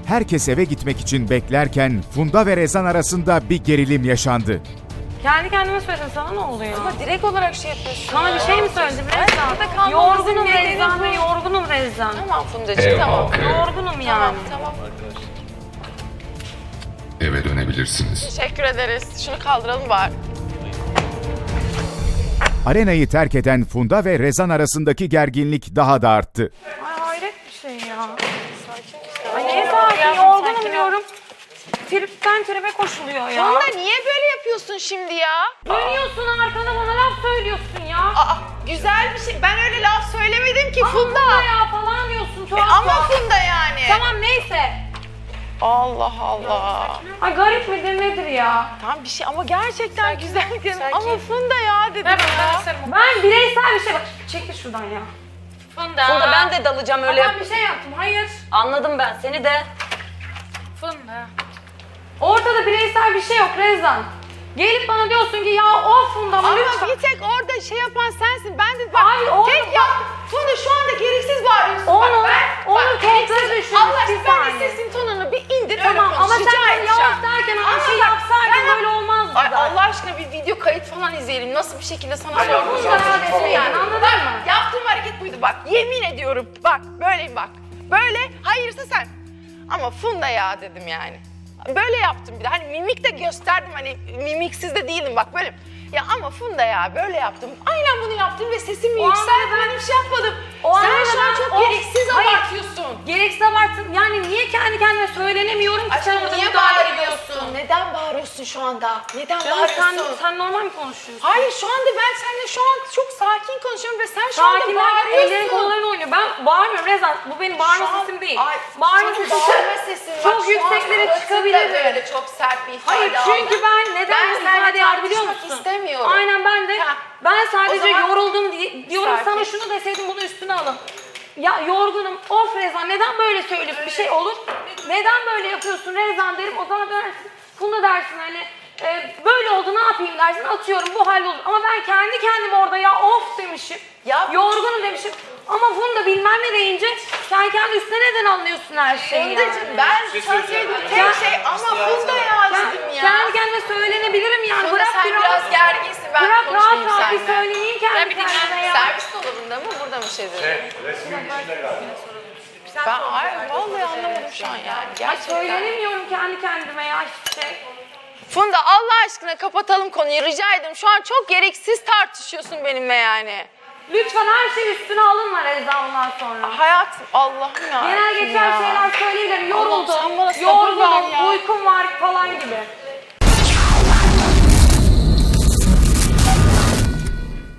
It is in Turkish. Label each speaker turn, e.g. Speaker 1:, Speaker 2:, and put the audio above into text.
Speaker 1: Herkes eve gitmek için beklerken Funda ve Rezan arasında bir gerilim yaşandı.
Speaker 2: Kendi kendime söyledim, sana ne oluyor?
Speaker 3: Ama direkt olarak şey yapıyorsun.
Speaker 2: Sana bir şey mi söyledim Rezan? Yorgunum Rezan ve yorgunum Rezan.
Speaker 3: Tamam Fundacığım tamam.
Speaker 2: Yorgunum yani.
Speaker 3: Tamam.
Speaker 4: Eve dönebilirsiniz.
Speaker 3: Teşekkür ederiz. Şunu kaldıralım bari.
Speaker 1: Arenayı terk eden Funda ve Rezan arasındaki gerginlik daha da arttı.
Speaker 2: Ay hayret bir şey ya. Ay ne sakin, yorgunum diyorum. Tripten tribe koşuluyor ya.
Speaker 3: Funda niye böyle yapıyorsun şimdi ya?
Speaker 2: Dönüyorsun arkana bana laf söylüyorsun ya.
Speaker 3: Aa, güzel bir şey. Ben öyle laf söylemedim ki Funda.
Speaker 2: Funda ya falan diyorsun tuhaf.
Speaker 3: Ama Funda yani.
Speaker 2: Tamam neyse.
Speaker 3: Allah Allah.
Speaker 2: Ay garip midir nedir ya?
Speaker 3: Tamam bir şey ama gerçekten güzel dedim. Ama Funda ya dedim ya.
Speaker 2: Ben bireysel bir şey bak çekil şuradan ya.
Speaker 5: Funda ben de dalacağım öyle.
Speaker 2: Ben bir şey yaptım hayır.
Speaker 5: Anladım ben seni de.
Speaker 2: Funda. Ortada bireysel bir şey yok Rezan. Gelip bana diyorsun ki ya of Funda
Speaker 3: Ama
Speaker 2: lütfen.
Speaker 3: bir tek orada şey yapan sensin. Ben de bak
Speaker 2: Abi, onu
Speaker 3: tek
Speaker 2: bak-
Speaker 3: yap. Funda şu anda gereksiz bağırıyorsun.
Speaker 2: Onu-
Speaker 3: bak ben.
Speaker 2: onu
Speaker 3: bak,
Speaker 2: kontrol
Speaker 3: gereksiz-
Speaker 2: düşün,
Speaker 3: Allah
Speaker 2: bir
Speaker 3: aşkına ben de
Speaker 2: saniye.
Speaker 3: sesin tonunu bir indir
Speaker 2: Tamam
Speaker 3: öyle
Speaker 2: ama
Speaker 3: konuş.
Speaker 2: sen
Speaker 3: Rica
Speaker 2: bana
Speaker 3: edeceğim.
Speaker 2: yavaş derken
Speaker 3: Ama
Speaker 2: bir şey
Speaker 3: bak,
Speaker 2: yapsaydın
Speaker 3: ben-
Speaker 2: böyle olmazdı
Speaker 3: Ay,
Speaker 2: zaten.
Speaker 3: Allah aşkına bir video kayıt falan izleyelim. Nasıl bir şekilde sana
Speaker 2: Funda ya desin yani anladın mı?
Speaker 3: Yaptığım hareket buydu bak. Yemin ediyorum. Bak böyleyim bak. Böyle hayırsa sen. Ama Funda ya dedim yani. Böyle yaptım bir de. Hani mimik de gösterdim. Hani mimiksiz de değilim bak böyle. Ya ama Funda ya böyle yaptım. Aynen bunu yaptım ve sesimi
Speaker 2: O anda
Speaker 3: yükselttim.
Speaker 2: ben-
Speaker 3: Ben bir şey yapmadım.
Speaker 2: O
Speaker 3: Sen
Speaker 2: anda
Speaker 3: şu an
Speaker 2: ben-
Speaker 3: çok
Speaker 2: Of,
Speaker 3: gereksiz
Speaker 2: hayır.
Speaker 3: abartıyorsun.
Speaker 2: Gereksiz abarttın. Yani niye kendi kendime söylenemiyorum ki sen
Speaker 3: Aşkım
Speaker 2: orada
Speaker 3: niye
Speaker 2: müdahale
Speaker 3: bağırıyorsun? Neden bağırıyorsun şu anda? Neden
Speaker 2: Canım
Speaker 3: bağırıyorsun?
Speaker 2: sen normal mi konuşuyorsun?
Speaker 3: Hayır şu anda ben seninle şu an çok sakin konuşuyorum ve sen şu anda
Speaker 2: Sakinler
Speaker 3: bağırıyorsun.
Speaker 2: ellerin kolların oynuyor. Ben bağırmıyorum Rezan. Bu benim bağırma
Speaker 3: Şu an-
Speaker 2: sesim değil.
Speaker 3: Ay,
Speaker 2: Bağırma
Speaker 3: senin
Speaker 2: sesim
Speaker 3: bağırma sesin.
Speaker 2: çok
Speaker 3: Bak, şu an
Speaker 2: yükseklere
Speaker 3: suratında
Speaker 2: çıkabilirim.
Speaker 3: böyle çok sert bir ifade
Speaker 2: Hayır
Speaker 3: aldım.
Speaker 2: çünkü ben neden
Speaker 3: Ben
Speaker 2: bu
Speaker 3: seninle
Speaker 2: ifadeyi aldım biliyor
Speaker 3: tartışmak
Speaker 2: musun?
Speaker 3: istemiyorum.
Speaker 2: Aynen ben de.
Speaker 3: Ha.
Speaker 2: Ben
Speaker 3: O
Speaker 2: sadece
Speaker 3: zaman-
Speaker 2: yoruldum diyorum
Speaker 3: Sakin.
Speaker 2: sana şunu deseydim bunu üstüne alın. Ya yorgunum. Of Rezan neden böyle söylüyorsun? Bir şey olur. Neden böyle yapıyorsun Rezan derim. O zaman dersin. Funda dersin hani böyle oldu ne yapayım dersin. Atıyorum bu hallolur. Ama ben kendi kendime orada ya of demişim.
Speaker 3: Ya-
Speaker 2: Yorgunum demişim. Ama Funda bilmem ne deyince sen kendi üstüne neden anlıyorsun her şeyi
Speaker 3: Fundacığım
Speaker 2: yani?
Speaker 3: ben söylediğim tek şey ama Funda ya dedim ya.
Speaker 2: Kendi kendime söylenebilirim yani.
Speaker 3: Funda
Speaker 2: Bırak
Speaker 3: sen biraz gerginsin ben
Speaker 2: bırak rahat
Speaker 3: konuşmayayım
Speaker 2: rahat bir
Speaker 3: seninle.
Speaker 2: söyleyeyim kendi kendime ya.
Speaker 3: Servis dolabında mı burada mı şey dedi? Ben vallahi anlamadım şu an yani.
Speaker 2: Ay
Speaker 3: Gerçekten.
Speaker 2: söylenemiyorum kendi kendime ya hiçbir şey.
Speaker 3: Funda Allah aşkına kapatalım konuyu rica ederim. Şu an çok gereksiz tartışıyorsun benimle yani.
Speaker 2: Lütfen her şey üstüne alınma Rezan bundan sonra.
Speaker 3: Hayatım Allah'ım ya.
Speaker 2: Genel geçer şeyler söyleyebilirim.
Speaker 3: Allah'ım,
Speaker 2: Yoruldum,
Speaker 3: sen bana sabır ver ya.
Speaker 2: yorgunum, uykum var falan gibi.